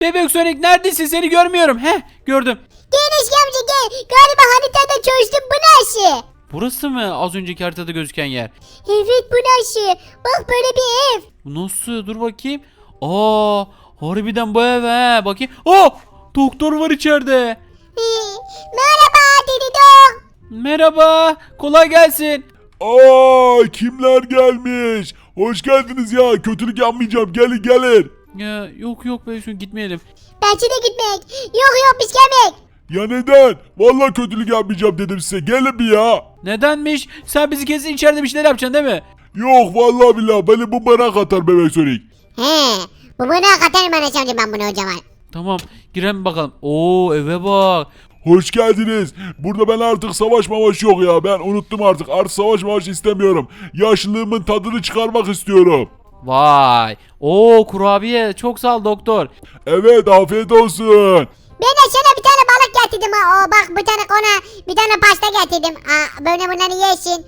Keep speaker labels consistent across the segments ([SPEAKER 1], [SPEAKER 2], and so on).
[SPEAKER 1] Bebek Sonic neredesin? Seni görmüyorum. Heh, gördüm.
[SPEAKER 2] Gel Eski amca gel. Galiba haritada çözdüm, bu nasıl?
[SPEAKER 1] Burası mı az önceki haritada gözüken yer?
[SPEAKER 2] Evet, bu nasıl? Bak, böyle bir ev.
[SPEAKER 1] Bu nasıl? Dur bakayım. Aa, harbiden bu ev he. Bakayım. Oh! Doktor var içeride.
[SPEAKER 2] Merhaba Dididok.
[SPEAKER 1] Merhaba. Kolay gelsin.
[SPEAKER 3] Aa, kimler gelmiş? Hoş geldiniz ya. Kötülük yapmayacağım. Gelin gelin.
[SPEAKER 1] Ya, yok Bebek Sonic gitmeyelim.
[SPEAKER 2] Bence de gitmek. Yok biz gelmek.
[SPEAKER 3] Ya neden? Vallahi kötülük yapmayacağım dedim size. Gelin bir ya.
[SPEAKER 1] Nedenmiş? Sen bizi kesin içeride bir şeyler yapacaksın değil mi?
[SPEAKER 3] Yok vallahi billahi beni bu merak atar bebek Sonic.
[SPEAKER 2] He. Bu bana katarım Enes amca, ben bunu hocama.
[SPEAKER 1] Tamam, girelim bakalım. Oo, eve bak.
[SPEAKER 3] Hoş geldiniz. Burada ben artık savaş mavaş yok ya. Ben unuttum artık. Artık savaş mavaş istemiyorum. Yaşlılığımın tadını çıkarmak istiyorum.
[SPEAKER 1] Vay. Oo, kurabiye. Çok sağ ol doktor.
[SPEAKER 3] Evet afiyet olsun.
[SPEAKER 2] Ben de sana bir tane balık getirdim ha. O bak, bir tane kona, bir tane pasta getirdim. Böyle bunları yesin.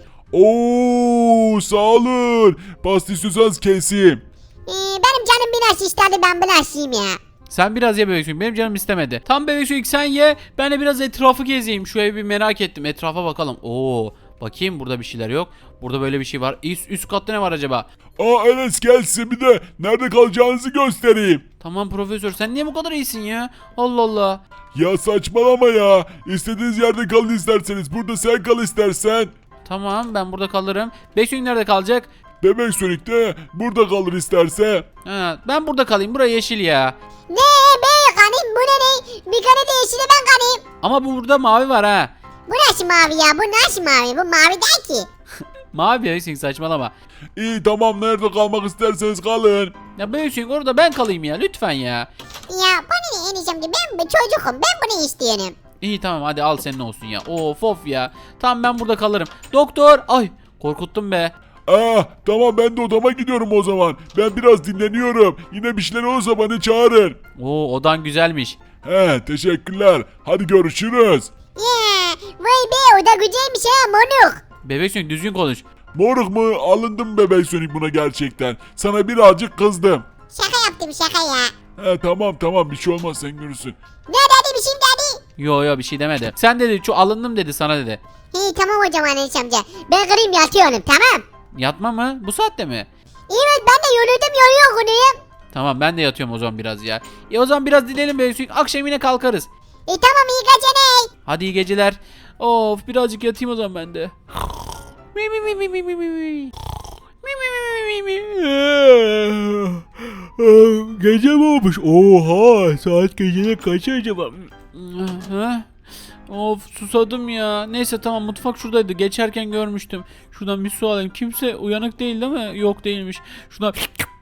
[SPEAKER 3] Oo sağ olun. Pasta istiyorsanız keseyim.
[SPEAKER 2] Benim canım biraz istedi, ben bunu açayım ya.
[SPEAKER 1] Sen biraz ye Bebek Sonic. Benim canım istemedi. Tam Bebek Sonic sen ye. Ben de biraz etrafı gezeyim. Şu evi bir merak ettim. Etrafa bakalım. Oo. Bakayım, burada bir şeyler yok. Burada böyle bir şey var. Üst katta ne var acaba?
[SPEAKER 3] Aa Enes gelsin bir de nerede kalacağınızı göstereyim.
[SPEAKER 1] Tamam profesör, sen niye bu kadar iyisin ya? Allah Allah.
[SPEAKER 3] Ya saçmalama ya. İstediğiniz yerde kalın isterseniz. Burada sen kal istersen.
[SPEAKER 1] Tamam, ben burada kalırım. Bebek Sonic nerede kalacak?
[SPEAKER 3] Bebek Sonic de burada kalır isterse.
[SPEAKER 1] Ha, ben burada kalayım. Burası yeşil ya.
[SPEAKER 2] Ne? Ben kanayım, bu ne? Bir kare de yeşile ben kanayım.
[SPEAKER 1] Ama burada mavi var ha.
[SPEAKER 2] Bu nasıl mavi ya? Bu nasıl mavi? Bu mavi değil ki.
[SPEAKER 1] Mavi Bebek Sonic, saçmalama.
[SPEAKER 3] İyi tamam nerede kalmak isterseniz kalın.
[SPEAKER 1] Ya Bebek Sonic, orada ben kalayım ya. Lütfen ya.
[SPEAKER 2] Ya bana ne Enes amca? Ben bir çocukum. Ben bunu istiyorum.
[SPEAKER 1] İyi tamam, hadi al, senin olsun ya. Of ya. Tamam, ben burada kalırım. Doktor. Ay, korkuttun be.
[SPEAKER 3] Tamam ben de odama gidiyorum o zaman. Ben biraz dinleniyorum. Yine bir şeyler olursa beni çağırın.
[SPEAKER 1] Oo, odan güzelmiş.
[SPEAKER 3] Teşekkürler. Hadi görüşürüz.
[SPEAKER 2] Ya vay be, o da güzelmiş ha monuk.
[SPEAKER 1] Bebek Sonic, düzgün konuş.
[SPEAKER 3] Moruk mu? Alındım bebek Sonic buna gerçekten. Sana birazcık kızdım.
[SPEAKER 2] Şaka yaptım, şaka ya.
[SPEAKER 3] Tamam bir şey olmaz sen görürsün.
[SPEAKER 2] Ne dedi, bir şey mi dedi?
[SPEAKER 1] Yo bir şey demedi. Sen dedi, şu alındım dedi, sana dedi.
[SPEAKER 2] İyi tamam hocam Enes amca. Ben kırayım yatıyorum, tamam.
[SPEAKER 1] Yatma mı? Bu saatte mi?
[SPEAKER 2] Evet, ben de yoruldum, yoruyum.
[SPEAKER 1] Tamam, ben de yatıyorum o zaman biraz ya. O zaman biraz dinleyelim Bebek Sonic. Akşam yine kalkarız.
[SPEAKER 2] Tamam, iyi geceler.
[SPEAKER 1] Hadi iyi geceler. Of, birazcık yatayım o zaman ben de. Mi mi mi mi mi mi mi mi. Mi mi mi mi mi mi.
[SPEAKER 3] Gece mi olmuş? Oha saat gecenin kaç acaba?
[SPEAKER 1] Ha? Of, susadım ya. Neyse tamam, mutfak şuradaydı. Geçerken görmüştüm. Şuradan bir su alayım. Kimse uyanık değil değil mi? Yok, değilmiş. Şuradan...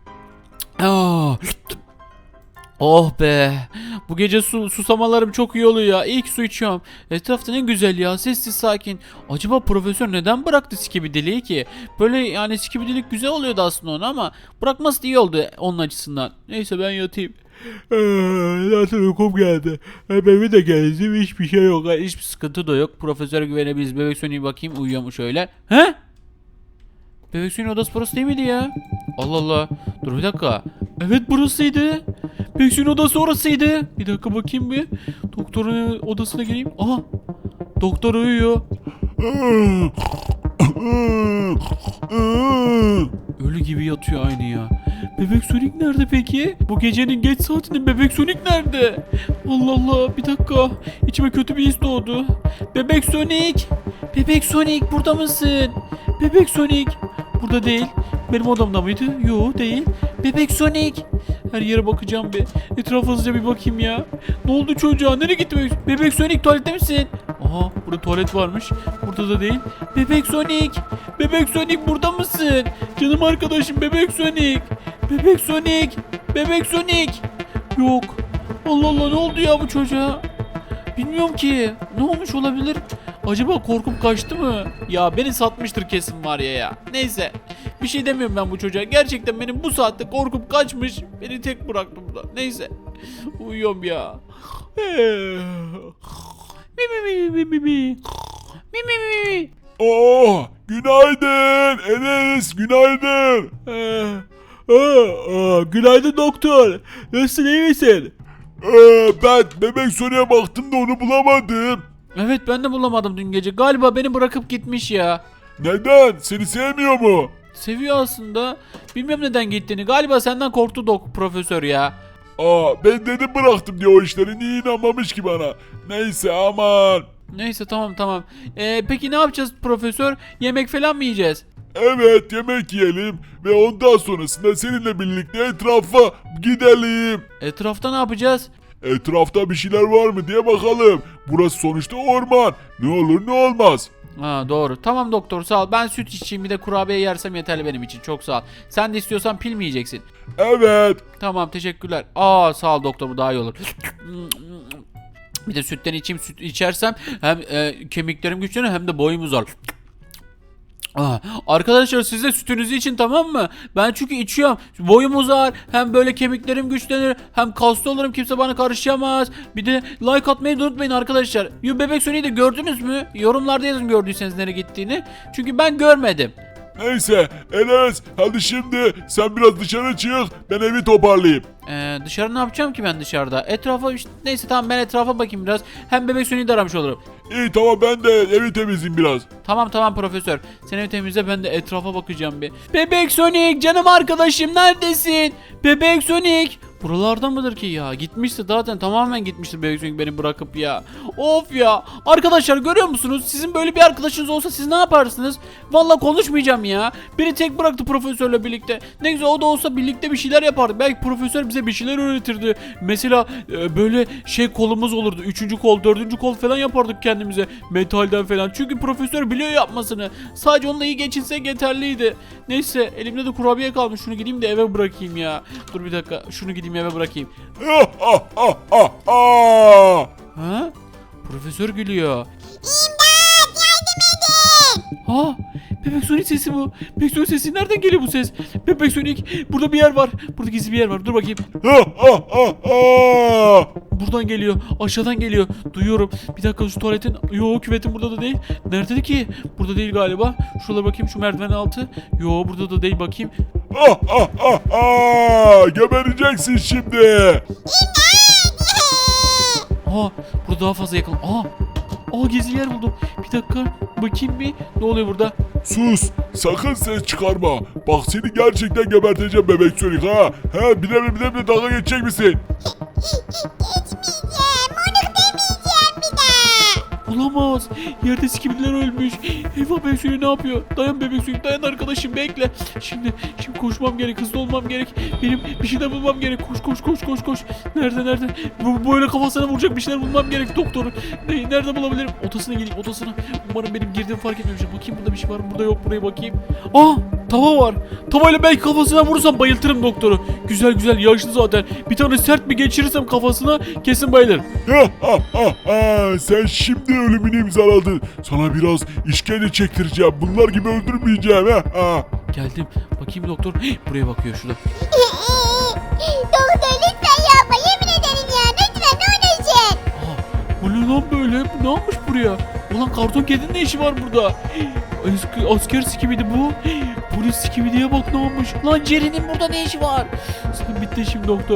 [SPEAKER 1] Oh be. Bu gece susamalarım çok iyi oluyor ya. İlk su içiyorum. Etrafta ne güzel ya. Sessiz sakin. Acaba profesör neden bıraktı skibidiliği ki? Böyle yani skibidilik güzel oluyordu aslında ona ama bırakması da iyi oldu onun açısından. Neyse ben yatayım.
[SPEAKER 3] Zaten uykum geldi. Hem eve de geldim hiçbir şey yok.
[SPEAKER 1] Hiçbir sıkıntı da yok. Profesöre güvenebiliriz. Bebek Sonic'e bakayım, uyuyor mu şöyle. He? Bebek Sonic'in odası burası değil miydi ya? Allah Allah. Dur bir dakika. Evet, burasıydı. Bebek Sonic'in odası orasıydı. Bir dakika bakayım bir. Doktorun odasına gireyim. Aha. Doktor uyuyor. Ölü gibi yatıyor aynı ya. Bebek Sonic nerede peki? Bu gecenin geç saatinde Bebek Sonic nerede? Allah Allah, bir dakika. İçime kötü bir his doğdu. Bebek Sonic! Bebek Sonic, burada mısın? Bebek Sonic! Burada değil. Benim odamda mıydı? Yo, değil. Bebek Sonic! Her yere bakacağım bir. Etrafa hızlıca bir bakayım ya. Ne oldu çocuğa? Nereye gitti Bebek? Bebek Sonic, tuvalette misin? Aha, burada tuvalet varmış. Burada da değil. Bebek Sonic! Bebek Sonic, burada mısın? Canım arkadaşım Bebek Sonic! Bebek Sonic! Bebek Sonic! Yok. Allah Allah, ne oldu ya bu çocuğa? Bilmiyorum ki. Ne olmuş olabilir? Acaba korkup kaçtı mı? Ya beni satmıştır kesin var ya. Neyse. Bir şey demiyorum ben bu çocuğa. Gerçekten benim bu saatte korkup kaçmış. Beni tek bıraktı burada. Neyse. Uyuyorum ya. Mi mi mi mi mi mi. Mi mi mi mi.
[SPEAKER 3] Günaydın Enes günaydın.
[SPEAKER 4] Günaydın doktor. Nasılsın, iyi misin?
[SPEAKER 3] Ben bebek Sonic'e baktım da onu bulamadım.
[SPEAKER 1] Evet ben de bulamadım dün gece. Galiba beni bırakıp gitmiş ya.
[SPEAKER 3] Neden? Seni sevmiyor mu?
[SPEAKER 1] Seviyor aslında. Bilmem neden gittiğini. Galiba senden korktu profesör ya.
[SPEAKER 3] Ben dedim bıraktım diye o işleri. Niye inanmamış ki bana? Neyse aman.
[SPEAKER 1] Neyse tamam. Peki ne yapacağız profesör? Yemek falan mı yiyeceğiz?
[SPEAKER 3] Evet, yemek yiyelim ve ondan sonrasında seninle birlikte etrafa gidelim.
[SPEAKER 1] Etrafta ne yapacağız?
[SPEAKER 3] Etrafta bir şeyler var mı diye bakalım. Burası sonuçta orman. Ne olur ne olmaz.
[SPEAKER 1] Ha doğru. Tamam doktor sağ ol. Ben süt içeyim bir de kurabiye yersem yeterli benim için. Çok sağ ol. Sen de istiyorsan pil mi yiyeceksin?
[SPEAKER 3] Evet.
[SPEAKER 1] Tamam teşekkürler. Sağ ol doktor bu daha iyi olur. Bir de sütten içeyim. Süt içersem hem kemiklerim güçlenir hem de boyum uzar. Arkadaşlar siz de sütünüzü için tamam mı? Ben çünkü içiyorum. Boyum uzar. Hem böyle kemiklerim güçlenir. Hem kaslı olurum. Kimse bana karışamaz. Bir de like atmayı da unutmayın arkadaşlar. Bebek Sonic'i de gördünüz mü? Yorumlarda yazın gördüyseniz nereye gittiğini. Çünkü ben görmedim.
[SPEAKER 3] Neyse Enes hadi şimdi sen biraz dışarı çık ben evi toparlayayım.
[SPEAKER 1] Dışarı ne yapacağım ki ben dışarıda? Etrafa işte, neyse tamam ben etrafa bakayım biraz. Hem Bebek Sonic'i de aramış olurum.
[SPEAKER 3] İyi tamam ben de evi temizleyeyim biraz.
[SPEAKER 1] Tamam profesör. Sen evi temizle ben de etrafa bakacağım bir. Bebek Sonic canım arkadaşım neredesin? Bebek Sonic. Buralarda mıdır ki ya? Gitmişti zaten tamamen gitmişti Bebek Sonic beni bırakıp ya. Of ya. Arkadaşlar görüyor musunuz? Sizin böyle bir arkadaşınız olsa siz ne yaparsınız? Vallahi konuşmayacağım ya. Beni tek bıraktı profesörle birlikte. Ne güzel o da olsa birlikte bir şeyler yapardık. Belki profesör bize bir şeyler öğretirdi. Mesela böyle kolumuz olurdu. 3. kol, 4. kol falan yapardık kendimize. Metalden falan. Çünkü profesör biliyor yapmasını. Sadece onunla iyi geçinsek yeterliydi. Neyse elimde de kurabiye kalmış. Şunu gideyim de eve bırakayım ya. Dur bir dakika. Şunu gideyim eve bırakayım. Ha? Profesör gülüyor.
[SPEAKER 2] İmdat yardım edin.
[SPEAKER 1] Ha? Bebek Sonic sesi bu. Bebek Sonic sesi nereden geliyor bu ses? Bebek Sonic burada bir yer var. Burada gizli bir yer var. Dur bakayım. Buradan geliyor. Aşağıdan geliyor. Duyuyorum. Bir dakika şu tuvaletin. Yo küvetin burada da değil. Nerede ki? Burada değil galiba. Şuralara bakayım şu merdiven altı. Yo burada da değil bakayım.
[SPEAKER 3] Gebereceksin şimdi.
[SPEAKER 1] Burada daha fazla yakın. Gizli yer buldum. Bir dakika. Bakayım bir. Ne oluyor burada?
[SPEAKER 3] Sus sakın ses çıkarma. Bak seni gerçekten geberteceğim bebek Sonic ha. Bir de dalga geçecek misin?
[SPEAKER 2] Geçmeyeceğim onu demeyeceğim bir daha.
[SPEAKER 1] Olamaz. Yerde skibidler ölmüş. Eyvah Bebek Sonic ne yapıyor? Dayan Bebek Sonic dayan arkadaşım bekle. Şimdi koşmam gerek. Hızlı olmam gerek. Benim bir şeyler bulmam gerek. Koş. Nerede? Böyle kafasına vuracak bir şeyler bulmam gerek doktorun. Nerede bulabilirim? Odasına geleyim odasına. Umarım benim girdiğimi fark etmemişim. Bakayım burada bir şey var mı? Burada yok buraya bakayım. Tava var. Tavayla belki kafasına vurursam bayıltırım doktoru. Güzel yaşlı zaten. Bir tane sert bir geçirirsem kafasına kesin bayılır.
[SPEAKER 3] Sen şimdi ölümünü imzaladın. Sana biraz işkence çektireceğim. Bunlar gibi öldürmeyeceğim.
[SPEAKER 1] Geldim. Bakayım doktor. Buraya bakıyor şurada.
[SPEAKER 2] Doktor lütfen yapma yemin ederim ya lütfen ne olursun.
[SPEAKER 1] Bu ne lan böyle? Bu ne yapmış buraya? Ulan karton kedinin ne işi var burada? Asker skibidi bu. Polis skibidiye bak ne olmuş. Lan Jerry'nin burada ne işi var? Sen bitti şimdi doktor.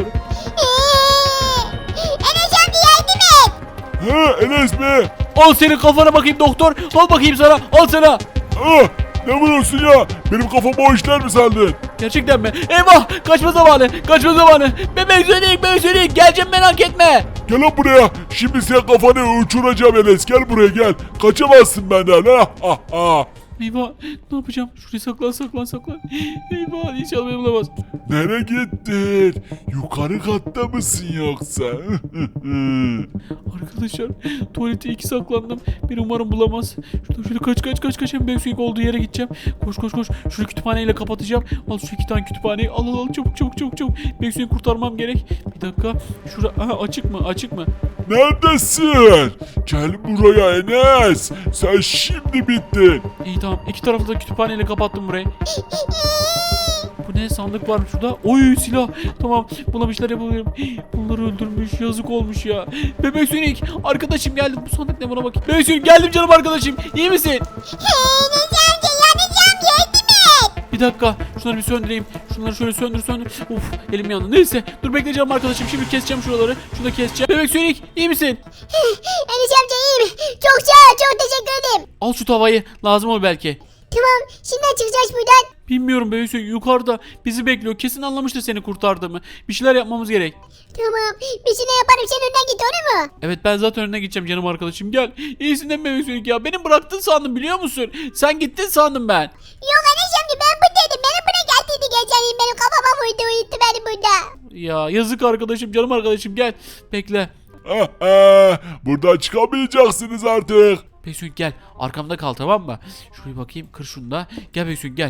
[SPEAKER 2] Enes amca yardım et.
[SPEAKER 3] Enes mi?
[SPEAKER 1] Al senin kafana bakayım doktor. Al bakayım sana. Al sana.
[SPEAKER 3] Ne vuruyorsun ya? Benim kafama o işler mi sandın?
[SPEAKER 1] Gerçekten mi? Eyvah! Kaçma zamanı. Bebek Sonic. Geleceğim merak etme.
[SPEAKER 3] Gel lan buraya. Şimdi sen kafanı uçuracağım Enes. Gel buraya gel. Kaçamazsın benden.
[SPEAKER 1] Eyvah! Ne yapacağım? Şuraya saklan. Eyvah! İnşallah beni bulamaz.
[SPEAKER 3] Nereye gittin? Yukarı katta mısın yoksa?
[SPEAKER 1] Arkadaşlar tuvalete 2 saklandım. Beni umarım bulamaz. Şöyle kaç. Hem Bebek Sonic olduğu yere gideceğim. Koş. Şunu kütüphaneyle kapatacağım. Al şu 2 tane kütüphaneyi. Al çabuk. Bebek Sonic'i kurtarmam gerek. Bir dakika. Şura açık mı?
[SPEAKER 3] Neredesin? Gel buraya Enes. Sen şimdi bittin.
[SPEAKER 1] İyi tamam. 2 tarafı da kütüphaneyle kapattım burayı. Bu ne sandık varmış şurada? Oy silah. Tamam buna bir şeyler yapabilirim. Bunları öldürmüş yazık olmuş ya. Bebek Sonic arkadaşım geldim. Bu sandık ne buna bakayım. Bebek Sonic geldim canım arkadaşım. İyi misin?
[SPEAKER 2] Enes amca yanacağım yardım et.
[SPEAKER 1] Bir dakika şunları bir söndüreyim. Şunları şöyle söndür. Of elim yandı. Neyse dur bekleyeceğim arkadaşım. Şimdi keseceğim şuraları. Şunu da keseceğim. Bebek Sonic iyi misin?
[SPEAKER 2] Enes amca iyiyim. Çok sağ ol. Çok teşekkür ederim.
[SPEAKER 1] Al şu tavayı. Lazım olur belki.
[SPEAKER 2] Tamam. Şimdi çıkacağız buradan.
[SPEAKER 1] Bilmiyorum Bebek Sonic yukarıda bizi bekliyor. Kesin anlamıştır seni kurtardığımı. Bir şeyler yapmamız gerek.
[SPEAKER 2] Tamam. Bir şey yaparım. Sen önden git olur mu?
[SPEAKER 1] Evet ben zaten önüne gideceğim canım arkadaşım. Gel. İyisin değil mi Bebek Sonic ya? Beni bıraktın sandım biliyor musun? Sen gittin sandım ben.
[SPEAKER 2] Yok Enes amca ben buradaydım. Benim buraya geldiydi geçen. Benim kafama vurdu. Uyuttu beni burada.
[SPEAKER 1] Ya yazık arkadaşım canım arkadaşım gel. Bekle.
[SPEAKER 3] Buradan çıkamayacaksınız artık.
[SPEAKER 1] Bebek Sonic gel. Arkamda kal tamam mı? Şuraya bakayım kır şunu da. Gel Bebek Sonic gel.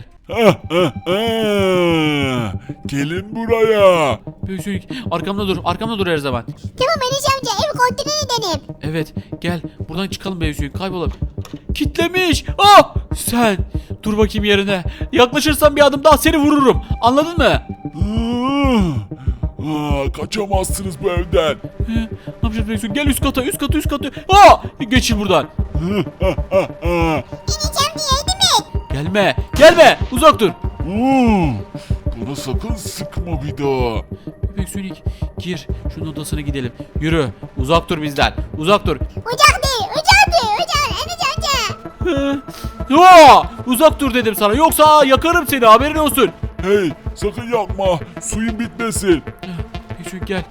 [SPEAKER 3] Gelin buraya.
[SPEAKER 1] Bebek Sonic arkamda dur. Arkamda dur her zaman.
[SPEAKER 2] Tamam Enes amca. Ev kontrol edelim.
[SPEAKER 1] Evet gel. Buradan çıkalım Bebek Sonic kaybolalım. Kitlemiş. Ah! Sen dur bakayım yerine. Yaklaşırsan bir adım daha seni vururum. Anladın mı?
[SPEAKER 3] Kaçamazsınız bu evden.
[SPEAKER 1] Ne yapacağız Bebek Sonic? Gel üst kata üst kata. Aa! Geçin buradan.
[SPEAKER 2] Enes amca yardım et.
[SPEAKER 1] Gelme. Uzak dur.
[SPEAKER 3] Bana sakın sıkma bir daha.
[SPEAKER 1] Bebek Sonic gir. Şunun odasına gidelim. Yürü. Uzak dur bizden. Uzak dur.
[SPEAKER 2] Ocak değil. Ocak değil. Ocak. Enes amca.
[SPEAKER 1] Uzak dur dedim sana. Yoksa yakarım seni haberin olsun.
[SPEAKER 3] Hey, sakın yapma. Suyun bitmesin.
[SPEAKER 1] Bebek Sonic gel.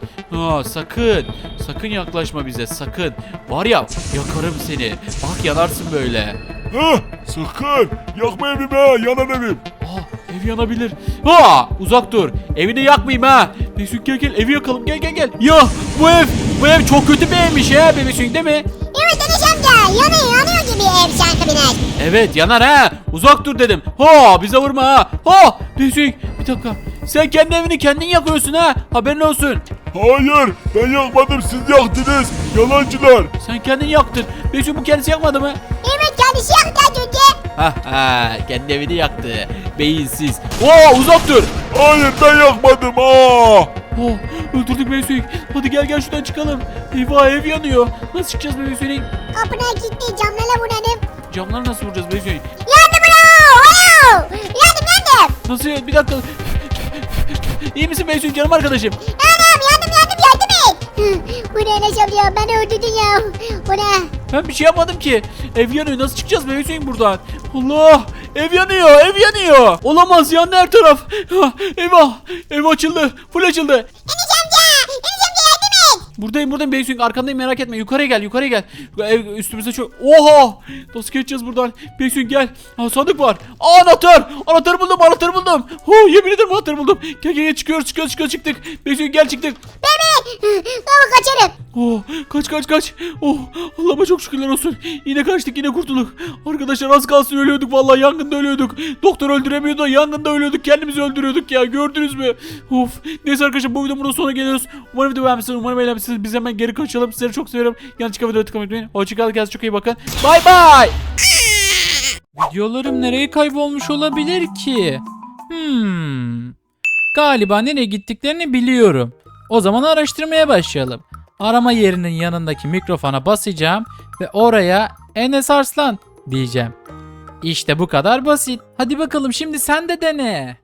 [SPEAKER 1] Sakın yaklaşma bize sakın. Var ya yakarım seni. Bak yanarsın böyle.
[SPEAKER 3] Sakın. Yakma evimi, yanan evim.
[SPEAKER 1] Ev yanabilir. Uzak dur. Evini yakmayayım ha. Bebek Sonic gel evi yakalım gel. Ya bu ev çok kötü bir evmiş ya Bebek Sonic değil mi?
[SPEAKER 2] Evet Enes amca. Yanıyor gibi ev sanki biraz.
[SPEAKER 1] Evet yanar ha. Uzak dur dedim. Bize vurma ha. Bebek Sonic bir dakika. Sen kendi evini kendin yakıyorsun ha. Haberin olsun.
[SPEAKER 3] Hayır, ben yakmadım, siz yaktınız. Yalancılar.
[SPEAKER 1] Sen kendin yaktın. Bebek Sonic bu kendisi yakmadı mı?
[SPEAKER 2] Evet kendisi yaktı az önce.
[SPEAKER 1] Kendi evini yaktı. Beyinsiz. Uzak dur.
[SPEAKER 3] Hayır, ben yakmadım.
[SPEAKER 1] Öldürdük Bebek Sonic. Hadi gel şuradan çıkalım. Eyvah ev yanıyor. Nasıl çıkacağız Bebek Sonic?
[SPEAKER 2] Kapına kilitli camlara vuralım.
[SPEAKER 1] Camları nasıl vuracağız Bebek Sonic?
[SPEAKER 2] Yandım ulan. Yandım.
[SPEAKER 1] Nasıl ya? Bir dakika. İyi misin Bebek Sonic canım arkadaşım?
[SPEAKER 2] Yandım et. Bu ne Enes amca beni öldürdün ya. Bu ne?
[SPEAKER 1] Ben bir şey yapmadım ki. Ev yanıyor. Nasıl çıkacağız Bebek Sonic buradan? Allah! Ev yanıyor. Olamaz yandı her taraf. Eyvah! Ev açıldı. Full açıldı.
[SPEAKER 2] Enes amca yardım et.
[SPEAKER 1] Buradayım Bebek Sonic arkandayım merak etme. Yukarıya gel. Ev üstümüze çok. Oha! Nasıl geçeceğiz buradan? Bebek Sonic gel. Sandık var. Anahtar! Anahtarı buldum. Yemin ederim anahtarı buldum. Gel çıkıyoruz çıktık. Bebek Sonic gel çıktık.
[SPEAKER 2] Tamam kaçarım.
[SPEAKER 1] Kaç. Allah'ıma çok şükürler olsun. Yine kaçtık yine kurtulduk. Arkadaşlar az kalsın ölüyorduk vallahi yangında ölüyorduk. Doktor öldüremiyordu da yangında ölüyorduk. Kendimizi öldürüyorduk ya gördünüz mü? Neyse arkadaşlar bu videonun burada sonuna geliyoruz. Umarım video beğenmişsiniz. Umarım eğlenmişsiniz. Biz hemen geri kaçalım. Sizleri çok seviyorum. Yanlışlıkla videoya tıklamayı unutmayın. Hoşçakalın. Kendinize çok iyi bakın. Bye. Videolarım nereye kaybolmuş olabilir ki? Galiba nereye gittiklerini biliyorum. O zaman araştırmaya başlayalım. Arama yerinin yanındaki mikrofona basacağım ve oraya Enes Arslan diyeceğim. İşte bu kadar basit. Hadi bakalım şimdi sen de dene.